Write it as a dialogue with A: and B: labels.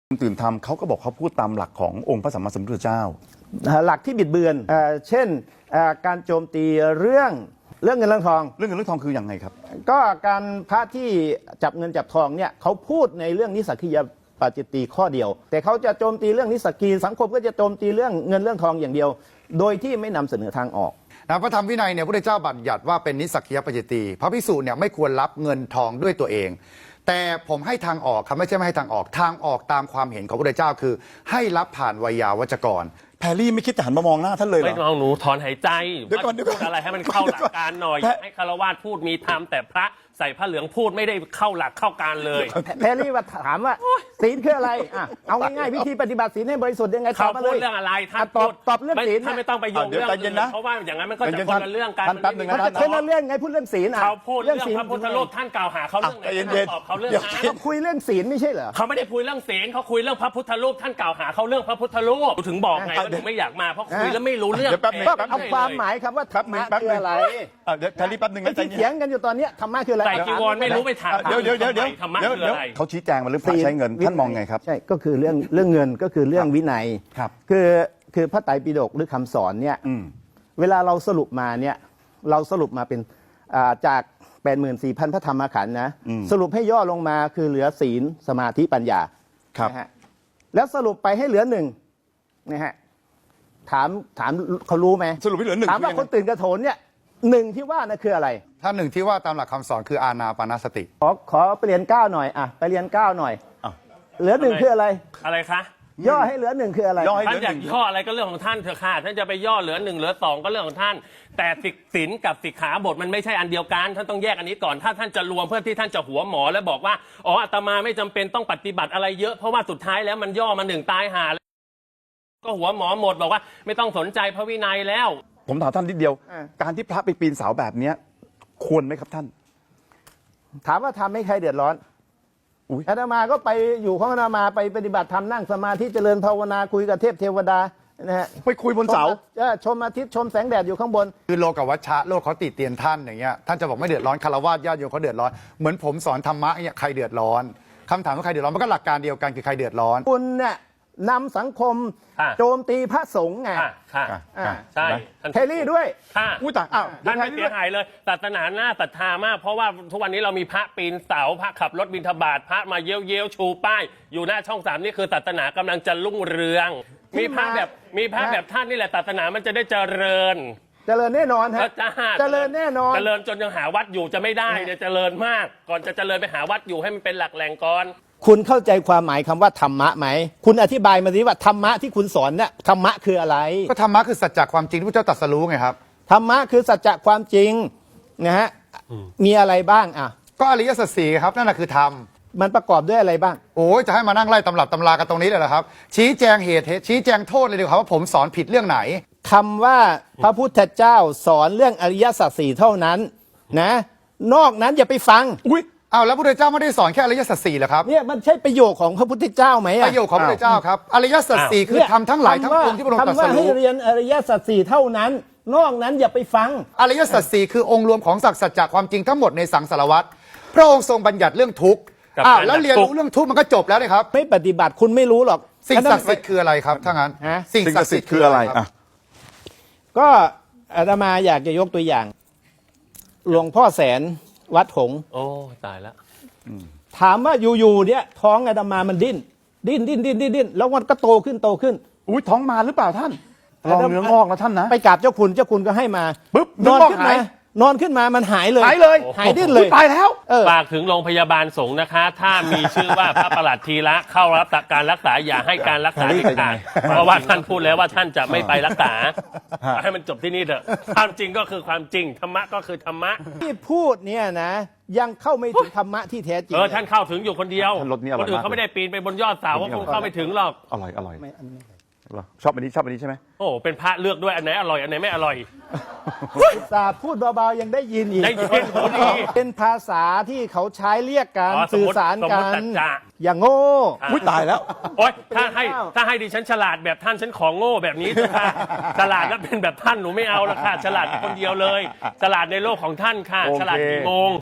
A: ตื่นทำเขาก็บอกเขาพูดตามหลักขององค์พระสัมมาสัมพุทธเจ้า
B: หลักที่บิดเบือนเช่นการโจมตีเรื่องเงินเรื่องทอง
A: เรื่องเงินเรื่องทองคืออย่างไงครับ
B: ก็การพระที่จับเงินจับทองเนี่ยเขาพูดในเรื่องนิสสกิยปาจิตตีข้อเดียวแต่เขาจะโจมตีเรื่องนิสสกีสังคมก็จะโจมตีเรื่องเงินเรื่องทองอย่างเดียวโดยที่ไม่นำเสนอทางออก
C: พระธรรมวินัยเนี่ยพระพุทธเจ้าบัญญัติว่าเป็นนิสสกิยปาจิตตีพระภิกษุเนี่ยไม่ควรรับเงินทองด้วยตัวเองแต่ผมให้ทางออกครับไม่ใช่ไม่ให้ทางออกตามความเห็นของพระพุทธเจ้าคือให้รับผ่านไวยาวัจกร
A: แพรรี่ไม่คิดจะหันมามองหน้าท่านเลยเหรอ
D: ไม่มองหนูถอนหายใจ
A: เดี๋ยวก่อน
D: พูดอะไรให้มันเข้าหลักการหน่อยให้คารวะพูดมีธรรมแต่พระใส่ผ้าเหลืองพูดไม่ได้เข้าหลักเข้าการเลย
B: แพรรี่ว่าถามว่าศีลคืออะไรเอาง่ายๆวิธีปฏิบัติศีลให้บริสุทธิ์ยังไง
D: เขาพูดเรื่องอะไรท่าน
B: ตอบเรื่องศีล
D: ท่านไม่ต้องไปโยงเรื่องเพราะว่าอย่างนั้นมันก็จะคนละเรื่องกัน
A: แป๊บนึงนะ
B: คนละเรื่องไงพูดเรื่องศีล
D: เขาพูดเรื่องพระพุทธรูปท่านกล่าวหาเขาเรื่องไหนตอบเขาเรื่องนั้น
B: คุยเรื่องศีลไม่ใช่เหรอ
D: เขาไม่ได้คุยเรื่องศีลเขาคุยเรื่องพระพุทธรูปท่านกล่าวหาเขาเรื่องพระพุทธรูปถึงบอกไงว่าถึงไม่อยากมาเพราะคุยแล้วไม่รู้เรื่อง
B: เอาความหมายครับว่าธรรมะคืออะไร
A: เดี๋ยวแพรรี่แป๊บนึงนะ
B: ที่เถียงกันอยู่ตอนนี้ธรรมะคืออะไร
D: ใส่จีวรไม่รู้ไปถาม
A: เดี๋ยว
D: ธรรมะคืออะไร
A: เขาชี้แจงมาเรื่องพระใช้เงินท่านมองไงครับ
B: ใช่ก็คือเรื่องเงินก็คือเรื่องวินัย
A: ครับ
B: คือพระไตรปิฎกหรือคำสอนเนี่ยเวลาเราสรุปมาเนี่ยเราสรุปมาเป็นจาก 84,000 พระธรรมขันธ์นะสรุปให้ย่อลงมาคือเหลือศีลสมาธิปัญญานะฮะแล้วสรุปไปให้เหลือหนึ่งนะฮะถามเขารู้ไหม
A: สรุปให้เหลือหนึ่ง
B: ถามว่าคนตื่นกระโถนเนี่ยหนึ่งที่ว่านั่นคืออะไร
C: ถ้าหนึ่งที่ว่าตามหลักคำสอนคืออานาปานสติ
B: ขอไปเรียน9หน่อยไปเรียน9หน่อยเหลือหนึ่งคืออะไร
D: อะไรคะ
B: ย่อให้เหลือหนึ่งคืออะไร
D: ท่านอยากย่ออะไรก็เรื่องของท่านเถอะค่ะท่านจะไปย่อเหลือหนึ่งเหลือสองก็เรื่องของท่านแต่ศีลกับสิกขาบทมันไม่ใช่อันเดียวกันท่านต้องแยกอันนี้ก่อนถ้าท่านจะรวมเพื่อที่ท่านจะหัวหมอแล้วบอกว่าอ๋ออาตมาไม่จำเป็นต้องปฏิบัติอะไรเยอะเพราะว่าสุดท้ายแล้วมันย่อมาหนึ่งตายหาก็หัวหมอหมดบอกว่าไม่ต้องสนใจพระวินัยแล้ว
A: ผมถามท่านนิดเดียวการที่พระไปปีนเสาแบบนี้ควรไหมครับท่าน
B: ถามว่าทำให้ใครเดือดร้อนอาตมาก็ไปอยู่ของอาตมาไปปฏิบัติธรรมนั่งสมาธิเจริญภาวนาคุยกับเทพเทวดานะฮะ
A: ไปคุยบนเสา
B: ชมอาทิตย์ชมแสงแดดอยู่ข้างบน
C: คือโลกวัชชะโลกเขาติเตียนท่านอย่างเงี้ยท่านจะบอกไม่เดือดร้อนคารวะญาติโยมเขาเดือดร้อนเหมือนผมสอนธรรมะเนี่ยใครเดือดร้อนคำถามว่าใครเดือดร้อนมันก็หลักการเดียวกันคือใครเดือดร้อน
B: คุณเนี่ยนำสังคมโจมตีพระสงฆ์ไง
D: ใช่
B: เทลี่ด้วย
D: ท่านไม่เสียหายเลยศาสนาหน้าศรัทธามากเพราะว่าทุกวันนี้เรามีพระปีนเสาพระขับรถบิณฑบาตพระมาเย้ยวชูป้ายอยู่หน้าช่อง3นี่คือศาสนากำลังจะรุ่งเรืองมีพระแบบท่านนี่แหละศาสนามันจะได้เจริญ
B: แน่นอนฮะเจริญแน่นอน
D: เจริญจนยังหาวัดอยู่จะไม่ได้เนี่ยเจริญมากก่อนจะเจริญไปหาวัดอยู่ให้มันเป็นหลักแหล่งก่อน
B: คุณเข้าใจความหมายคำว่าธรรมะไหมคุณอธิบายมาสิว่าธรรมะที่คุณสอนเนี่ยธรรมะคืออะไร
C: ก็ธรรมะคือสัจจะความจริงที่พระเจ้าตรัสรู้ไงครับ
B: ธรรมะคือสัจจะความจริงนะฮะมีอะไรบ้าง
C: ก็อริยสัจสี่ครับนั่นแหละคือธรรม
B: มันประกอบด้วยอะไรบ้าง
C: โอ้ยจะให้มานั่งไล่ตำรับตำรากันตรงนี้เลยเหรอครับชี้แจงเหตุชี้แจงโทษเลยดีกว่าว่าผมสอนผิดเรื่องไหน
B: คำว่าพระพุทธเจ้าสอนเรื่องอริยสัจสี่เท่านั้นนะนอกนั้นอย่าไปฟัง
C: แล้วพระพุทธเจ้าไม่ได้สอนแค่อริยสัจสี่เหรอครับ
B: เนี่ยมันใช่ประโยคของพระพุทธเจ้าไหม
C: ประโยคของพระพุทธเจ้าครับอริยสัจสี่คือทำทั้งหลายทั้งปวงที่พระองค์ตรัสรู้
B: คำว่าให้เรียนอริยสัจสี่เท่านั้นนอกนั้นอย่าไปฟัง
C: อริยสัจสี่คือองค์รวมของสัจจะความจริงทั้งหมดในสังสารวัฏพระองค์ทรงบัญญัติเรื่องทุกข์แล้วเรียนรู้เรื่องทุกข์มันก็จบแล้วเลยครับ
B: ไม่ปฏิบัติคุณไม่รู้หรอก
C: สิ่งศักดิ์สิทธิ์คืออะไรครับถ้างั้น
A: สิ่งศักดิ์สิทธิ์คืออะไร
B: ก็อาตมาอยากจะยกตัวอย่างหลวงพ่อแสนวัดหงส์
D: โอ้ตายแล้ว
B: ถามว่าอยู่ๆเนี่ยท้องอาตมามันดิ้นแล้วมันก็โตขึ้น
A: ท้องมาหรือเปล่าท่านลองเนื้องอกนะท่านนะ
B: ไปกราบเจ้าคุณก็ให้มา
A: ปุ๊บ
B: นอนขึ้นมามันหายเลยหายดิ้นเลย
A: ตายแล้ว
D: ฝากถึงโรงพยาบาลสงฆ์นะคะถ้ามีชื่อว่าพระประหลัดธีระเข้ารับการรักษาอย่าให้การรักษาเด็ดขาดเพราะว่าท่านพูดแล้วว่าท่านจะไม่ไปรักษาให้มันจบที่นี่เถอะความจริงก็คือความจริงธรรมะก็คือธรรมะ
B: ที่พูดเนี่ยนะยังเข้าไม่ถึงธรรมะที่แท้จริง
D: ท่านเข้าถึงอยู่คนเดียวคนอื่นเขาไม่ได้ปีนไปบนยอดเสาก็คงเข้าไม่ถึงหรอก
A: อร่อยชอบอันนี้ใช่ไหม
D: โอ้เป็นพระเลือกด้วยอันไหนอร่อยอันไหนไม่อร่อย
B: พูดเบาๆยังได้ยินอีก
D: ได้ยิน
B: เป็นภาษาที่เขาใช้เรียกกันสื่อสารกันอย่างโง่
A: ตายแล้ว
D: โอ๊ยถ้าให้ดิฉันฉลาดแบบท่านฉันของโง่แบบนี้ค่ะฉลาดแล้วเป็นแบบท่านหนูไม่เอาละค่ะฉลาดคนเดียวเลยฉลาดในโลกของท่านค่ะฉลาดกี่โมง